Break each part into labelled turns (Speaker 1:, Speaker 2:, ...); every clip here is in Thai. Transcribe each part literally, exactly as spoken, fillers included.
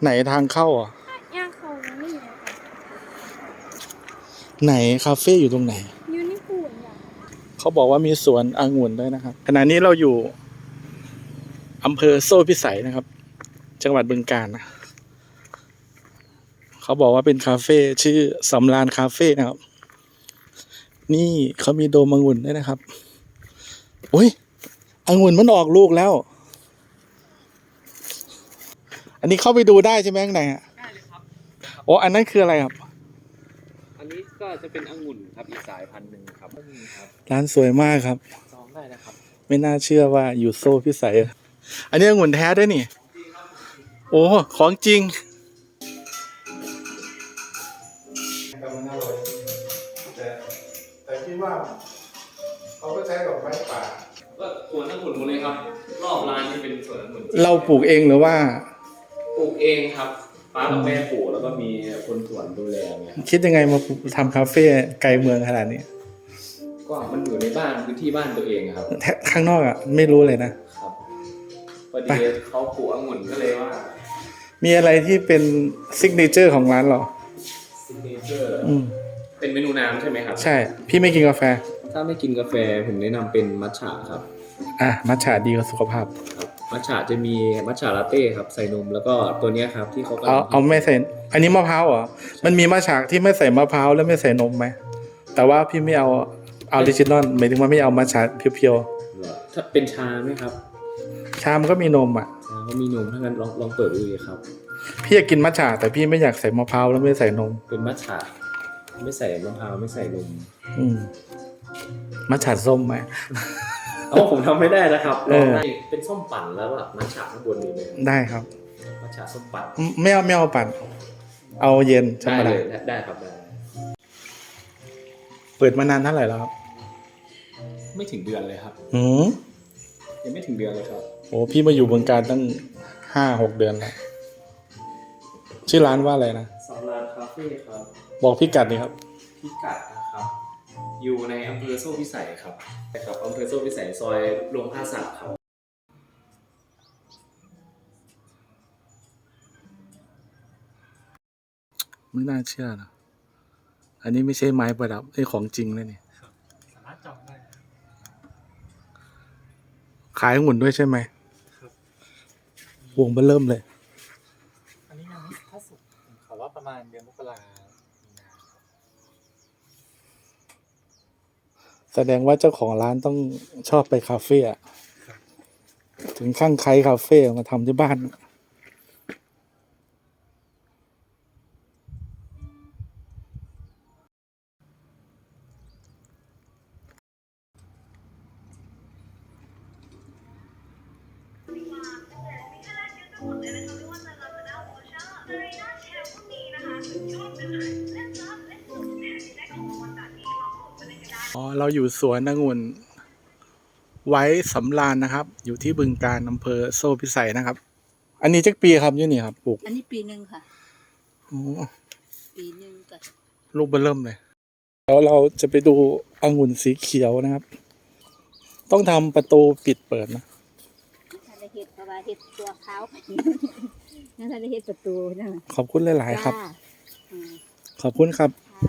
Speaker 1: ไหนทางเข้าอ่ะ
Speaker 2: ย่างเขาไม่มีค่ะ
Speaker 1: ไหนคาเฟ่อยู่ตรงไหน
Speaker 2: ยูนิคูนอ่ะ
Speaker 1: เขาบอกว่ามีสวนองุ่นด้วยนะครับขณะนี้เราอยู่อำเภอโซ่พิสัยนะครับจังหวัดบึงกาฬนะเขาบอกว่าเป็นคาเฟ่ชื่อสำราญคาเฟ่นะครับนี่เขามีโดมองุ่นด้วยนะครับโอ้ยองุ่นมันออกลูกแล้วอันนี้เข้าไปดูได้ใช่ไหมข้างในอ่ะ
Speaker 3: ได้เลยครับ
Speaker 1: โอ้อันนั้นคืออะไรครับ
Speaker 3: อันนี้ก็จะเป็นองุ่นครับอีกสายพันธุ์หนึ่งครับนี่ครับ
Speaker 1: ร้านสวยมากครับ
Speaker 3: จองได้นะครับ
Speaker 1: ไม่น่าเชื่อว่าอยู่โซ่พิสัยอันนี้องุ่นแท้ด้วยนี่โอ้ของจริงแต่แต่คิดว่าเขาก็ใช้ดอกไม้ป่า
Speaker 3: ก็สวนองุ่นหมดเลยครับรอบร้านนี่เป็นสวนองุ่น
Speaker 1: เราปลูกเองหรือว่า
Speaker 3: ปลูกเองครับป้ากับแม่ปลูกแล้วก็มีคนสวนดูแลเนี่ย
Speaker 1: คิดยังไงมาทำคาเฟ่ไกลเมืองขนาดนี้
Speaker 3: ก็มันอยู่ในบ้านพื้นที่บ้านตัวเองครับ
Speaker 1: ข้างนอกอ่ะไม่รู้เลยนะครับ
Speaker 3: พอดีเขาปลูกองุ่นก็เลยว่า
Speaker 1: มีอะไรที่เป็นซิกเนเจอร์ของร้านหรอ
Speaker 3: ซิกเนเจอร์อืมเป็นเมนูน้ำใช่ไหมครับ
Speaker 1: ใช่พี่ไม่กินกาแฟ
Speaker 3: ถ้าไม่กินกาแฟผมแนะนำเป็นมัทฉะครับ
Speaker 1: อ่ะมัทฉะดีกับสุขภาพ
Speaker 3: ครับมัทฉะจะมีมัทฉะลาเต้ครับใส่นมแล้วก็ตัวนี้ครับที่เขา
Speaker 1: เอาเอาไม่ใส่อันนี้มะพร้าวเหรอมันมีมัทฉะที่ไม่ใส่มะพร้าวแล้วไม่ใส่นมไหมแต่ว่าพี่ไม่เอาออริจินอลหมายถึงว่าไม่เอามัทฉะเพียว
Speaker 3: ๆถ้าเป็นชาไหมครับ
Speaker 1: ชามันก็มีนมอ่ะ
Speaker 3: ชาก็มีนมถ้างั้นลองลองเปิดดูเลยครับ
Speaker 1: พี่อยากกินมัทฉะแต่พี่ไม่อยากใส่มะพร้าวแล้วไม่ใส่นม
Speaker 3: เป็นมัทฉะไม่ใส่มะพร้าวไม่ใส่นม
Speaker 1: อืมมัทฉะส้มไหม
Speaker 3: อ๋อผมทำไม่ได้นะครับลองได้เป็นส้มปั่นแล้วแบบมัทฉะข้างบนนี้เลย
Speaker 1: ได้ครับ
Speaker 3: มัทฉะส้มปั่น
Speaker 1: ไม่เอาไม่เอาปั่นเอาเย็นธรรมดา
Speaker 3: ได้เลยได้ครับได้
Speaker 1: เปิดมานานเท่าไหร่แล้วครับ
Speaker 3: ไม่ถึงเดือนเลยครับ
Speaker 1: อืม
Speaker 3: ยังไม่ถึงเดือนเลยครับ
Speaker 1: โอ้พี่มาอยู่บึงกาฬตั้งห้าหกเดือนแล้วชื่อร้านว่าอะไรนะ
Speaker 3: สำราญคาเฟ่ครับ
Speaker 1: บอกพี่กัดนี่ครับ
Speaker 3: พิกัดนะครับอยู่ในอำเภอโซ่พิสัยครับครับอำเภอโซ่พิสัยซอยโรงผ้าสักครับ
Speaker 1: ไม่น่าเชื่อนะอันนี้ไม่ใช่ไม้ประดับนี่ของจริงเลยนี่
Speaker 3: สามารถจองได้
Speaker 1: ขายหุ่นด้วยใช่ไหมครับวงเบอเริ่มเลย
Speaker 3: อันนี้ยังไม่ถ้าสุกขอว่าประมาณเดือนมกรา
Speaker 1: แสดงว่าเจ้าของร้านต้องชอบไปคาเฟ่ถึงข้างใครคาเฟ่มาทำที่บ้านอ๋อเราอยู่สวนองุ่นไว้สำราญนะครับอยู่ที่บึงกาฬอำเภอโซ่พิสัยนะครับอันนี้จักปีครับยี่นี่ครับปลูก
Speaker 2: อันนี้ปีหนึ่งค่ะ
Speaker 1: โอ้
Speaker 2: ปีหนึ่งก็
Speaker 1: ลูกเบอเริ่มเลยแล้วเราจะไปดูองุ่นสีเขียวนะครับ ต้องทำประตูปิดเปิดนะ
Speaker 2: ถ้าได้เห็ดเพราะว่าเห็ดตัวขาวนั่นถ้าได้เห็ดประตูนั่น
Speaker 1: ขอบคุณหลายๆครับขอบคุณครับ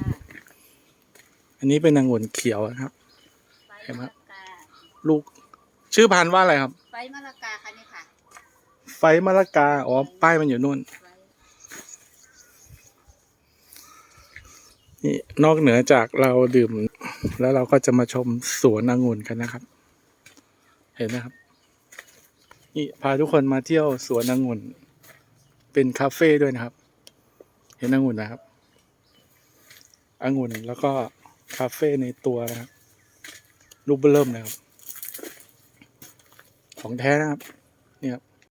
Speaker 1: อันนี้เป็นองุ่นเขียวนะครับเห็นไหมลูกชื่อพันธุ์ว่าอะไรครับ
Speaker 2: ไฟมะละกาค่ะนี่ค่ะ
Speaker 1: ไฟมะละกาอ๋อป้ายมันอยู่นู่นนี่นอกเหนือจากเราดื่มแล้วเราก็จะมาชมสวนองุ่นกันนะครับเห็นไหมครับนี่พาทุกคนมาเที่ยวสวนองุ่นเป็นคาเฟ่ด้วยนะครับเห็นองุ่นนะครับองุ่นแล้วก็คาเฟ่ในตัวนะครับรูปเริ่มเลยครับของแท้นะครับ